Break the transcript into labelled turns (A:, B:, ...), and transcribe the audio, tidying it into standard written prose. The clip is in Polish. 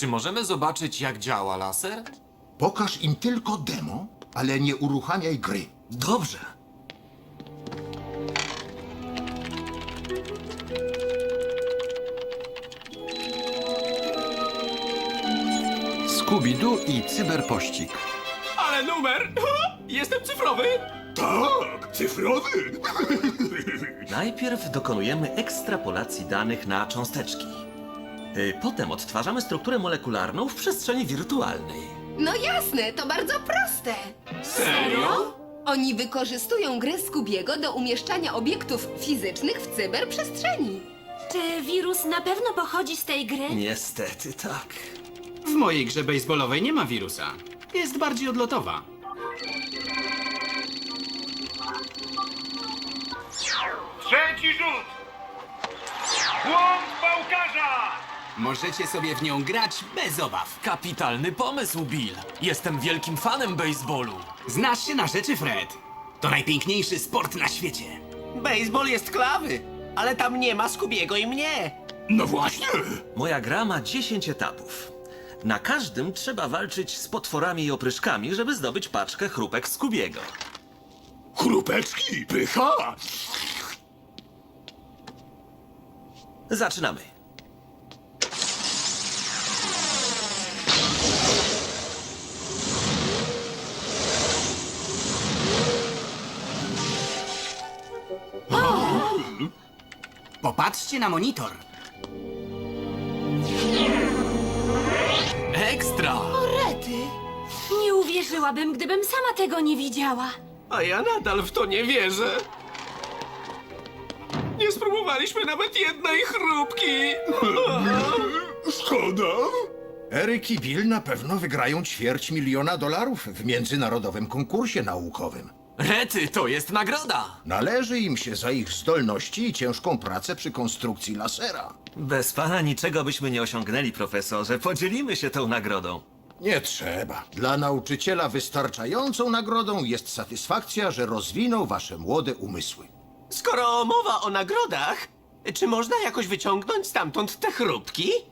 A: Czy możemy zobaczyć, jak działa laser?
B: Pokaż im tylko demo, ale nie uruchamiaj gry.
C: Dobrze.
D: Scooby-Doo i cyberpościg.
E: Ale numer! Jestem cyfrowy!
B: Tak, cyfrowy.
C: Najpierw dokonujemy ekstrapolacji danych na cząsteczki. Potem odtwarzamy strukturę molekularną w przestrzeni wirtualnej.
F: No jasne, to bardzo proste.
E: Serio?
F: Oni wykorzystują grę Scoobiego do umieszczania obiektów fizycznych w cyberprzestrzeni.
G: Czy wirus na pewno pochodzi z tej gry?
C: Niestety tak.
E: W mojej grze baseballowej nie ma wirusa. Jest bardziej odlotowa.
H: Trzeci rzut! Błąd pałkarza!
E: Możecie sobie w nią grać bez obaw.
A: Kapitalny pomysł, Bill. Jestem wielkim fanem baseballu.
E: Znasz się na rzeczy, Fred. To najpiękniejszy sport na świecie.
I: Baseball jest klawy, ale tam nie ma Scoobiego i mnie.
B: No właśnie.
C: Moja gra ma 10 etapów. Na każdym trzeba walczyć z potworami i opryszkami, żeby zdobyć paczkę chrupek Scoobiego.
B: Chrupeczki, pycha.
C: Zaczynamy.
E: Popatrzcie na monitor.
A: Ekstra!
G: Rety! Nie uwierzyłabym, gdybym sama tego nie widziała.
I: A ja nadal w to nie wierzę. Nie spróbowaliśmy nawet jednej chrupki.
B: Szkoda. Eryk i Bill na pewno wygrają $250 000 w międzynarodowym konkursie naukowym.
A: Rety, to jest nagroda!
B: Należy im się za ich zdolności i ciężką pracę przy konstrukcji lasera.
C: Bez pana niczego byśmy nie osiągnęli, profesorze. Podzielimy się tą nagrodą.
B: Nie trzeba. Dla nauczyciela wystarczającą nagrodą jest satysfakcja, że rozwinął wasze młode umysły.
I: Skoro mowa o nagrodach, czy można jakoś wyciągnąć stamtąd te chrupki?